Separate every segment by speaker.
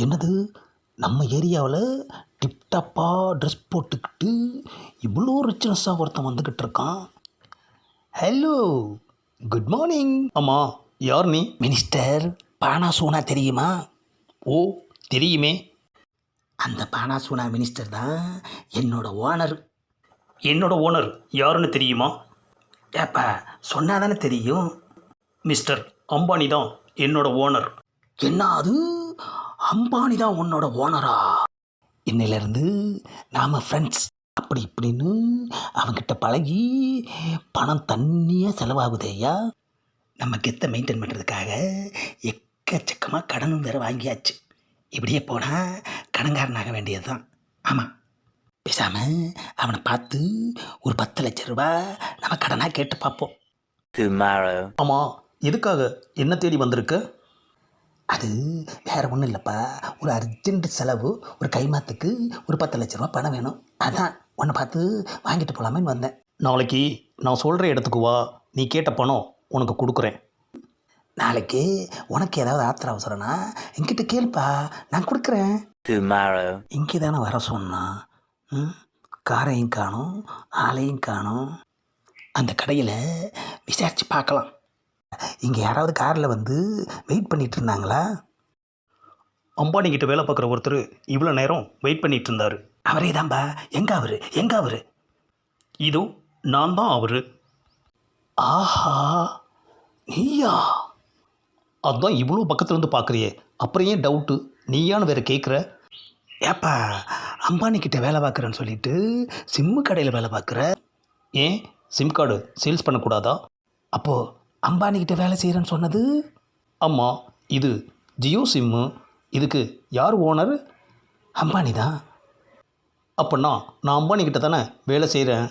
Speaker 1: என்னது நம்ம ஏரியாவில் டிப்டாப்பாக ட்ரெஸ் போட்டுக்கிட்டு இவ்வளோ ரிச்னஸாக ஒருத்தன் வந்துக்கிட்டு இருக்கான். Hello, good morning. ஆமாம், யார் நீ? மினிஸ்டர் பானாசூனா தெரியுமா? ஓ, தெரியுமே. அந்த பானாசூனா மினிஸ்டர் தான் என்னோட ஓனர். என்னோட ஓனர் யாருன்னு தெரியுமா? ஏப்பா சொன்னால் தானே தெரியும். மிஸ்டர் அம்பானி தான் என்னோட ஓனர். என்ன அது, அம்பானி தான் உன்னோட ஓனரா? இன்னிலேருந்து நாம் ஃப்ரெண்ட்ஸ் அப்படி இப்படின்னு அவங்கிட்ட பழகி பணம் தண்ணியாக செலவாகுதேயா. நம்ம கெத்தை மெயின்டைன் பண்ணுறதுக்காக எக்கச்சக்கமாக கடனும் வேறு வாங்கியாச்சு. இப்படியே போனால் கடன்காரனாக வேண்டியது தான். ஆமாம், பேசாமல் அவனை பார்த்து ஒரு 10 லட்ச ரூபா நம்ம கடனாக கேட்டு பார்ப்போம். ஆமாம், எதுக்காக என்ன தேடி வந்திருக்கு? அது வேறு ஒன்றும் இல்லைப்பா, ஒரு அர்ஜென்ட் செலவு, ஒரு கைமாத்துக்கு ஒரு 10 லட்ச ரூபா பணம் வேணும். அதான் உன்னை பார்த்து வாங்கிட்டு போகலாமேன்னு வந்தேன். நாளைக்கு நான் சொல்கிற இடத்துக்கு வா, நீ கேட்ட பணம் உனக்கு கொடுக்குறேன். நாளைக்கு உனக்கு ஏதாவது ஆத்திர அவசரம்னா என்கிட்ட கேள்ப்பா, நான் கொடுக்குறேன். இங்கே தானே வர சொன்னான். காரையும் காணும், ஆளையும் காணும். அந்த கடையில் விசாரித்து பார்க்கலாம். இங்கே யாராவது காரில் வந்து வெயிட் பண்ணிகிட்டு இருந்தாங்களா? அம்பானிக்கிட்ட வேலை பார்க்குற ஒருத்தர் இவ்வளோ நேரம் வெயிட் பண்ணிகிட்டு இருந்தார். அவரே தான்பா. எங்கே அவர்? இதோ நான் தான் அவர். ஆஹா, நீயா? அதுதான் இவ்வளோ பக்கத்துலேருந்து பார்க்குறியே, அப்புறம் ஏன் டவுட்டு? நீயான்னு வேறு கேட்குற? ஏப்பா, அம்பானிக்கிட்ட வேலை பார்க்குறேன்னு சொல்லிட்டு சிம்மு கடையில் வேலை பார்க்குற. ஏன் சிம் கார்டு சேல்ஸ் பண்ணக்கூடாதா? அப்போது அம்பானிக்கிட்ட வேலை செய்கிறேன்னு சொன்னது? ஆமாம், இது ஜியோ சிம்மு. இதுக்கு யார் ஓனர்? அம்பானி தான். அப்போனா நான் அம்பானிக்கிட்ட தானே வேலை செய்கிறேன்.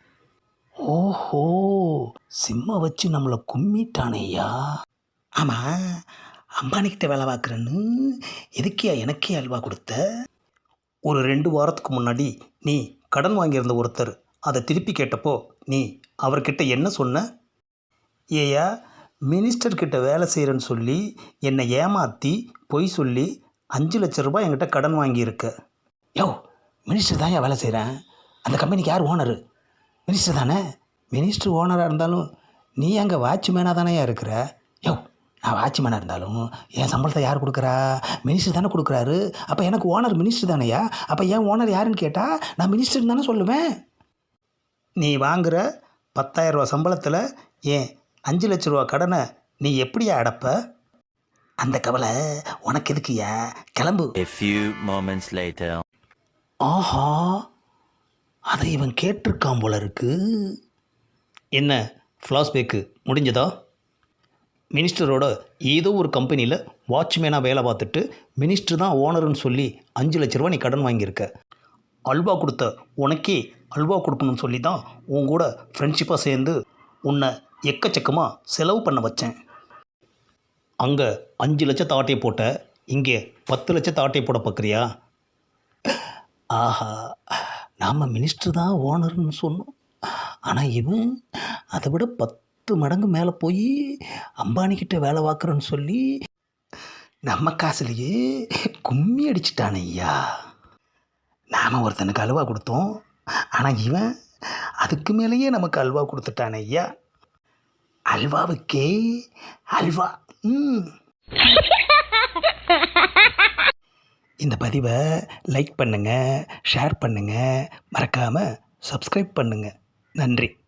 Speaker 1: ஓஹோ, சிம்மை வச்சு நம்மளை கும்மிட்டானேயா. ஆமாம், அம்பானிக்கிட்ட வேலை பார்க்குறேன்னு எதுக்கியா எனக்கே அல்வா கொடுத்த? ஒரு 2 வாரத்துக்கு முன்னாடி நீ கடன் வாங்கியிருந்த ஒருத்தர் அதை திருப்பி கேட்டப்போ நீ அவர்கிட்ட என்ன சொன்ன? ஏயா, மினிஸ்டர்கிட்ட வேலை செய்கிறேன்னு சொல்லி என்னை ஏமாற்றி பொய் சொல்லி 5 லட்ச ரூபாய் என்கிட்ட கடன் வாங்கியிருக்க. யோ, மினிஸ்டர் தான் வேலை செய்கிறேன். அந்த கம்பெனிக்கு யார் ஓனரு? மினிஸ்டர் தானே. மினிஸ்டர் ஓனராக இருந்தாலும் நீ அங்கே வாட்ச்மேனாக தானே இருக்கிற. யோ, நான் வாட்ச்மேனாக இருந்தாலும் என் சம்பளத்தை யார் கொடுக்குறா? மினிஸ்டர் தானே கொடுக்குறாரு. அப்போ எனக்கு ஓனர் மினிஸ்டர் தானேயா. அப்போ என் ஓனர் யாருன்னு கேட்டால் நான் மினிஸ்டர் தானே சொல்லுவேன். நீ வாங்குகிற 10,000 ரூபா சம்பளத்தில் ஏன் 5 லட்ச ரூபா கடனை நீ எப்படியா அடைப்ப? அந்த கவலை உனக்கு எதுக்குயா? கிளம்பு. ஆஹா, அதை இவன் கேட்டிருக்கான் போல இருக்கு. என்ன ஃப்ளாஷ்பேக்கு முடிஞ்சதா? மினிஸ்டரோட ஏதோ ஒரு கம்பெனியில் வாட்ச்மேனாக வேலை பார்த்துட்டு மினிஸ்டர் தான் ஓனருன்னு சொல்லி 5 லட்ச ரூபா நீ கடன் வாங்கியிருக்க. அல்வா கொடுத்த உனக்கே அல்வா கொடுக்கணும்னு சொல்லி தான் உன் கூட ஃப்ரெண்ட்ஷிப்பாக சேர்ந்து உன்னை எக்கச்சக்கமாக செலவு பண்ண வச்சேன். அங்கே 5 லட்சத்தை ஆட்டையை போட்ட, இங்கே 10 லட்சத்தை ஆட்டையை போட பார்க்குறியா? ஆஹா, நாம் மினிஸ்டர் தான் ஓனர்னு சொன்னோம். ஆனால் இவன் அதை விட 10 மடங்கு மேலே போய் அம்பானிக்கிட்ட வேலை பார்க்குறேன்னு சொல்லி நம்ம காசுலேயே கும்மி அடிச்சிட்டானே ஐயா. நாம் ஒருத்தனுக்கு அல்வா கொடுத்தோம், ஆனால் இவன் அதுக்கு மேலேயே நமக்கு அல்வா கொடுத்துட்டானே ஐயா. அல்வாவுக்கே அல்வா. இந்த பதிவை லைக் பண்ணுங்கள், ஷேர் பண்ணுங்கள், மறக்காமல் சப்ஸ்கிரைப் பண்ணுங்கள். நன்றி.